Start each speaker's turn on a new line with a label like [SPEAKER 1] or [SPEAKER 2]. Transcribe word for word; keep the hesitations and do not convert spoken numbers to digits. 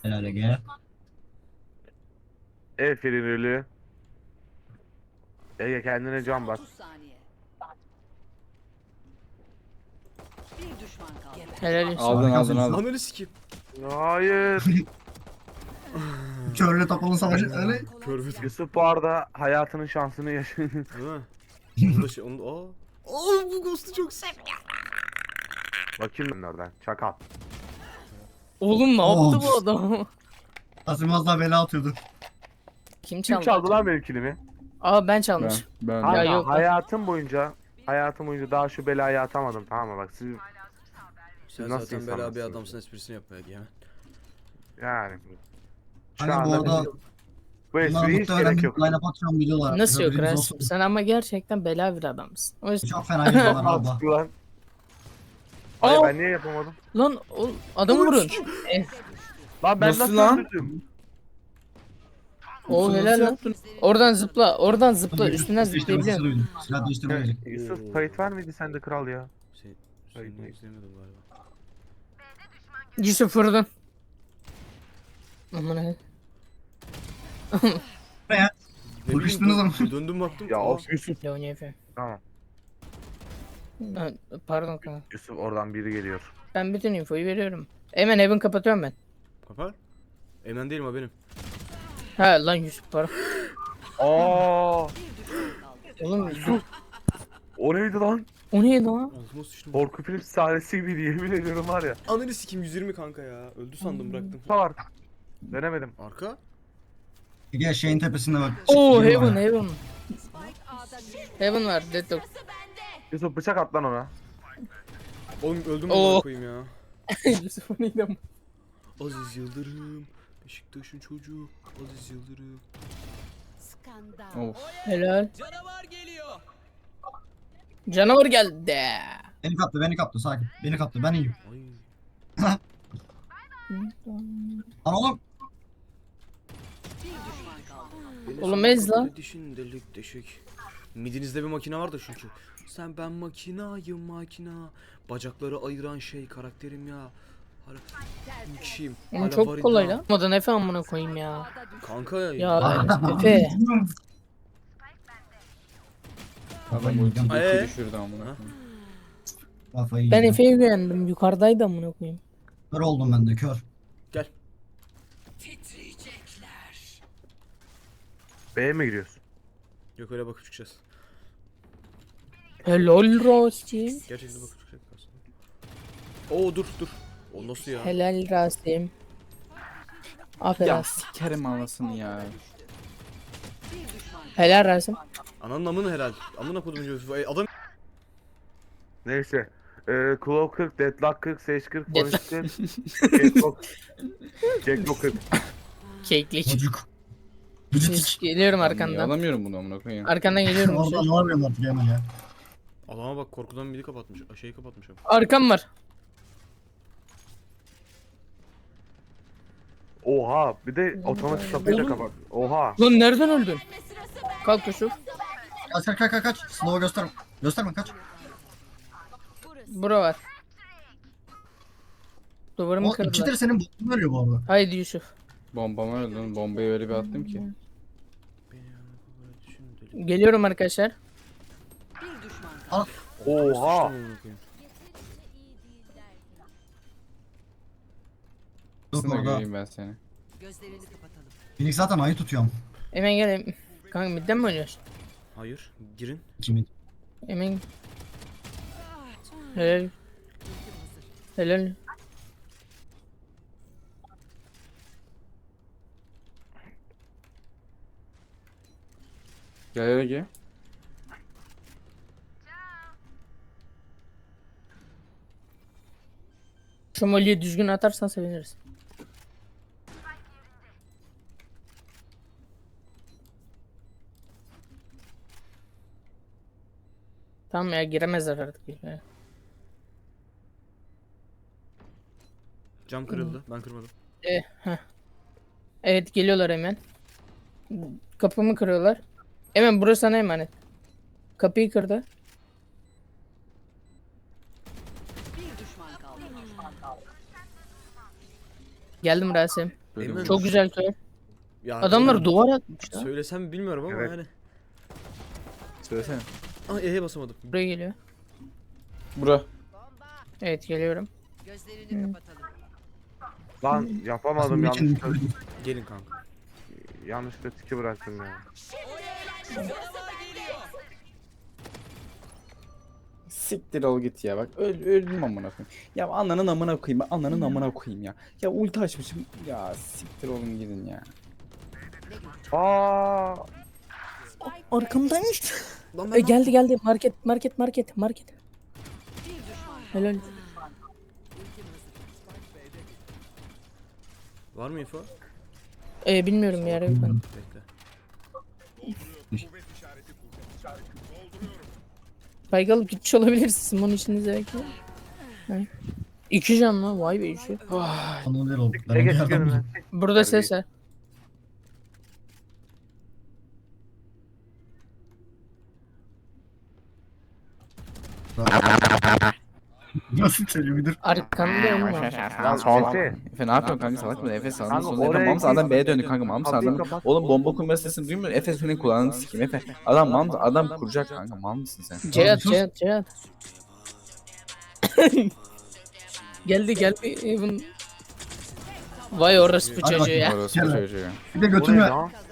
[SPEAKER 1] Helal Ege.
[SPEAKER 2] Efe'nin ölü. Ege kendine can bas.
[SPEAKER 3] otuz saniye. Bir düşman kaldı.
[SPEAKER 4] Helal olsun.
[SPEAKER 5] Aldın aldın
[SPEAKER 1] Harikasın.
[SPEAKER 5] aldın.
[SPEAKER 6] Ananı sikeyim.
[SPEAKER 2] Hayır.
[SPEAKER 1] Körle topalı savaşı öyle.
[SPEAKER 6] Körfez.
[SPEAKER 2] Yusuf bu arada hayatının şansını yaşıyor.
[SPEAKER 6] Değil mi? Onu da şey, onu da... Aa. Aa bu ghost'u çok sev.
[SPEAKER 2] Bakayım ben oradan. Çakal.
[SPEAKER 4] Oğlum ne
[SPEAKER 1] Of.
[SPEAKER 4] yaptı bu adam?
[SPEAKER 1] Asim az daha bela atıyordu.
[SPEAKER 4] Kim
[SPEAKER 2] Kim
[SPEAKER 4] çaldı?
[SPEAKER 2] çaldı lan benim kilimi?
[SPEAKER 4] Aa ben
[SPEAKER 5] Ben,
[SPEAKER 4] çalmış.
[SPEAKER 5] ben,
[SPEAKER 2] Kanka,
[SPEAKER 4] Ya yok lan.
[SPEAKER 2] hayatım boyunca hayatım boyunca daha şu belayı atamadım, tamam mı? Bak siz
[SPEAKER 6] Sen
[SPEAKER 2] nasıl
[SPEAKER 6] zaten bela bir
[SPEAKER 2] insanlarsınız
[SPEAKER 6] adamsın, esprisini yapmaya hemen.
[SPEAKER 2] yani şu
[SPEAKER 1] Hani bu
[SPEAKER 2] anda
[SPEAKER 1] arada
[SPEAKER 2] bu
[SPEAKER 1] bunlar
[SPEAKER 2] espriye hiç
[SPEAKER 1] muhtemelen
[SPEAKER 2] gerek
[SPEAKER 1] bir
[SPEAKER 2] yok.
[SPEAKER 1] line-up atacağım biliyorlar.
[SPEAKER 4] Nasıl yok
[SPEAKER 1] Haberiniz
[SPEAKER 4] Rasim?
[SPEAKER 1] olsun.
[SPEAKER 4] Sen ama gerçekten bela bir adamsın. O yüzden...
[SPEAKER 1] Çok fena videolar abla.
[SPEAKER 2] Mantıklı lan. Hayır
[SPEAKER 4] Aa!
[SPEAKER 2] ben niye yapamadım?
[SPEAKER 4] Lan o adamı vurun. Eh,
[SPEAKER 2] Lan ben
[SPEAKER 5] Nasıl
[SPEAKER 2] nasıl,
[SPEAKER 5] lan?
[SPEAKER 2] öldürdüm?
[SPEAKER 4] o
[SPEAKER 5] Nasıl
[SPEAKER 4] helal lan.
[SPEAKER 5] yaptın?
[SPEAKER 4] Oradan zıpla. Oradan zıpla.
[SPEAKER 1] Yüz-
[SPEAKER 4] Üstünden
[SPEAKER 1] yüz değiştirmesi
[SPEAKER 4] zıplayabiliyorsun.
[SPEAKER 1] duydum. Silah değiştirmeye gelecek.
[SPEAKER 2] Yusuf kayıt var mıydı sende kral ya?
[SPEAKER 6] Sen,
[SPEAKER 2] Hayır,
[SPEAKER 6] sen
[SPEAKER 2] hayır.
[SPEAKER 6] izlemiyordum galiba.
[SPEAKER 4] Yusuf vurdun. Aman he.
[SPEAKER 6] Ne
[SPEAKER 1] Vuruştunuz
[SPEAKER 6] bileyim,
[SPEAKER 1] ama.
[SPEAKER 6] dö- Döndüm baktım.
[SPEAKER 2] Ya
[SPEAKER 6] aa,
[SPEAKER 2] of Yusuf.
[SPEAKER 4] Leonie Efe.
[SPEAKER 2] Tamam.
[SPEAKER 4] Ha, pardon kanka.
[SPEAKER 2] Yusuf oradan biri geliyor.
[SPEAKER 4] Ben bütün infoyu veriyorum. Hemen evin kapatıyorum ben.
[SPEAKER 6] Kapar. Emen değilim ha benim.
[SPEAKER 4] Ha lan Yusuf pardon.
[SPEAKER 2] Aa!
[SPEAKER 4] Oğlum
[SPEAKER 2] Yusuf. O neydi lan?
[SPEAKER 4] o neydi lan?
[SPEAKER 6] Altıma sıçtım.
[SPEAKER 2] Korku film sahnesi gibiydi, yemin ediyorum var ya.
[SPEAKER 6] Ananı sikeyim yüz yirmi kanka ya. Öldü sandım bıraktım.
[SPEAKER 2] Var. Denemedim.
[SPEAKER 6] Arka.
[SPEAKER 1] Ege şeyin tepesinde bak.
[SPEAKER 4] Oo
[SPEAKER 1] Çıktı
[SPEAKER 4] Heaven
[SPEAKER 1] var.
[SPEAKER 4] Heaven.
[SPEAKER 3] Spike A'da düştü.
[SPEAKER 4] Heaven var Deadlock.
[SPEAKER 2] Yusuf bıçak at lan ona.
[SPEAKER 6] Oğlum öldüm
[SPEAKER 4] Oo.
[SPEAKER 6] mü koyayım ya.
[SPEAKER 4] Yusuf o neydi ama?
[SPEAKER 6] Aziz Yıldırım. Beşiktaş'ın çocuğu. Aziz Yıldırım.
[SPEAKER 3] Skandal.
[SPEAKER 5] Of.
[SPEAKER 4] Helal. Canavar geliyor. Canavar geldi.
[SPEAKER 1] Beni kaptı beni kaptı sakin. Beni kaptı ben iyiyim.
[SPEAKER 6] Ay.
[SPEAKER 1] Lan oğlum.
[SPEAKER 3] Bir düşman kaldı.
[SPEAKER 6] Beni
[SPEAKER 4] Oğlum
[SPEAKER 6] sana
[SPEAKER 4] ez lan.
[SPEAKER 6] kapıda Dişin delik deşik. Midinizde bir makine var da çünkü. Sen ben makinayım makina. Bacakları ayıran şey karakterim ya. Hala bir kişiyim.
[SPEAKER 4] Oğlum
[SPEAKER 6] Hala
[SPEAKER 4] çok
[SPEAKER 6] var
[SPEAKER 4] kolay
[SPEAKER 6] iddia.
[SPEAKER 4] lan. Olmadan Efe amına koyayım ya.
[SPEAKER 3] A'da düştü.
[SPEAKER 6] Kanka ya.
[SPEAKER 4] Ya Efe.
[SPEAKER 5] Adam ulti
[SPEAKER 6] Ee?
[SPEAKER 5] düşürdü amına koyayım.
[SPEAKER 1] Kafayı
[SPEAKER 4] Ben
[SPEAKER 1] yedim.
[SPEAKER 4] Efe'ye güvendim. Yukarıdaydı amına koyayım.
[SPEAKER 1] Kör oldum ben de kör.
[SPEAKER 6] Gel.
[SPEAKER 2] B'ye mi giriyorsun?
[SPEAKER 6] Yok öyle bakıp çıkacağız.
[SPEAKER 4] Helal Rasim.
[SPEAKER 6] Gerçekten bakıp çıkacak aslında. Oo dur dur. O nasıl ya?
[SPEAKER 4] Helal Rasim. Aferin.
[SPEAKER 5] Ya sikerim anasını ya.
[SPEAKER 3] Bir düşman kaldı.
[SPEAKER 4] Helal Rasim.
[SPEAKER 6] Ananın amını herhal. Amına kodum diyorsun. Ay, Adam
[SPEAKER 2] Neyse. Ee, Claw kırk, Deadlock kırk, Sage kırk,
[SPEAKER 4] Deadlock.
[SPEAKER 2] Phoenix kırk, Jacklock. Jacklock kırk.
[SPEAKER 4] Keklik.
[SPEAKER 1] Çocuk. Vücut.
[SPEAKER 4] Geliyorum
[SPEAKER 5] Niye
[SPEAKER 4] arkandan.
[SPEAKER 5] alamıyorum bunu amına koyayım.
[SPEAKER 4] Arkandan geliyorum.
[SPEAKER 1] Orada ne yapıyorsun artık hemen ya.
[SPEAKER 6] adama bak korkudan biri kapatmış. Şeyi kapatmış abi.
[SPEAKER 4] Arkam var.
[SPEAKER 2] Oha, bir de otomatik kapıyı da
[SPEAKER 4] Oğlum.
[SPEAKER 2] kapat. Oha.
[SPEAKER 4] Lan nereden öldün? Kalk Yusuf.
[SPEAKER 1] Kaç kaç kaç kaç kaç. Slow'a gösterme. Gösterme kaç.
[SPEAKER 4] Bura var. Duvarımı
[SPEAKER 1] O ikidir
[SPEAKER 4] kırdılar.
[SPEAKER 1] senin botun ölüyor bu arada.
[SPEAKER 4] Haydi Yusuf.
[SPEAKER 5] Bombama öldüm. Bombayı öyle bir attım ki.
[SPEAKER 4] Geliyorum arkadaşlar.
[SPEAKER 3] Bir düşman kaldı.
[SPEAKER 2] Oha.
[SPEAKER 1] Yok
[SPEAKER 5] Aslında
[SPEAKER 1] orada.
[SPEAKER 5] göreyim ben seni.
[SPEAKER 3] Gözlerini kapatalım.
[SPEAKER 1] Phoenix zaten ayı tutuyorum.
[SPEAKER 4] Hemen gel. Kanka midden mi oynuyorsun?
[SPEAKER 6] Hayır. Girin.
[SPEAKER 1] Kimin?
[SPEAKER 4] Hemen. Helal. Helal.
[SPEAKER 5] Gel hele gel.
[SPEAKER 4] Şu molliyi düzgün atarsan seviniriz. Tamam ya giremezler artık. Ya.
[SPEAKER 6] Cam kırıldı. Ben kırmadım.
[SPEAKER 4] E, heh. Evet geliyorlar hemen. Kapımı kırıyorlar. Hemen burası sana emanet. Kapıyı kırdı.
[SPEAKER 3] Bir düşman kaldı.
[SPEAKER 4] Geldim Rasim.
[SPEAKER 5] Böyle
[SPEAKER 6] Eymen.
[SPEAKER 4] Çok güzel kör.
[SPEAKER 6] Ya,
[SPEAKER 4] Adamlar
[SPEAKER 6] oğlum,
[SPEAKER 4] duvar atmış lan.
[SPEAKER 6] Söylesem mi bilmiyorum ama
[SPEAKER 2] Evet.
[SPEAKER 6] yani.
[SPEAKER 5] Söylesene.
[SPEAKER 6] Aa E'ye basamadım.
[SPEAKER 4] Buraya geliyor.
[SPEAKER 5] Bura.
[SPEAKER 4] Evet geliyorum.
[SPEAKER 3] Gözlerini kapatalım.
[SPEAKER 2] Lan yapamadım
[SPEAKER 1] Bunun için-
[SPEAKER 2] yanlışlıkla.
[SPEAKER 6] Gelin kanka.
[SPEAKER 2] Yanlışlıkla tiki bıraktım ya.
[SPEAKER 5] Siktir ol git ya bak öl, öldüm amına koyayım. Ya ananın amına koyayım ben ananın amına koyayım ya. Ya ulti açmışım ya siktir olun gidin ya.
[SPEAKER 2] Aa,
[SPEAKER 4] Arkamdaymış.
[SPEAKER 6] Lan
[SPEAKER 4] E, geldi geldi market market market market.
[SPEAKER 3] Bir düşman.
[SPEAKER 4] Helal.
[SPEAKER 6] Var mı info?
[SPEAKER 4] E, bilmiyorum ya Raven.
[SPEAKER 6] Bekle.
[SPEAKER 4] Bayga alıp gitmiş olabilirsin. Bunun içinize bekle. Yani. İki can mı? Vay be işi.
[SPEAKER 1] Anıl ver oldu. Ben
[SPEAKER 2] ne
[SPEAKER 1] onu
[SPEAKER 2] geç
[SPEAKER 1] yerden
[SPEAKER 2] görün
[SPEAKER 1] buldum.
[SPEAKER 4] Burada ses var.
[SPEAKER 1] Nasıl çeliyor müdür?
[SPEAKER 4] Arkamda ölüm var.
[SPEAKER 5] Ya sol.
[SPEAKER 2] Efe.
[SPEAKER 5] Efe ne yapıyorsun kanka salak mı? Efe sağdan
[SPEAKER 2] Kanka,
[SPEAKER 5] soldan. Efe
[SPEAKER 2] oraya
[SPEAKER 5] mam sağdan
[SPEAKER 2] git.
[SPEAKER 5] B'ye döndü kanka mam
[SPEAKER 2] Kapıyı
[SPEAKER 5] sağdan.
[SPEAKER 2] kapat.
[SPEAKER 5] Oğlum bomba kurma sesini duymuyor musun? Efe senin kulağını sikeyim Efe. Adam mam adam kuracak kanka mal mısın sen?
[SPEAKER 4] Cihat
[SPEAKER 1] sus.
[SPEAKER 4] Cihat Cihat. Geldi geldi. Even. Vay orası bu
[SPEAKER 1] Hadi
[SPEAKER 4] çocuğu
[SPEAKER 1] bakayım.
[SPEAKER 4] ya.
[SPEAKER 5] Orası
[SPEAKER 1] Gel lan.
[SPEAKER 5] çocuğu.
[SPEAKER 1] Bir de
[SPEAKER 2] o ne
[SPEAKER 1] götürme.
[SPEAKER 2] lan?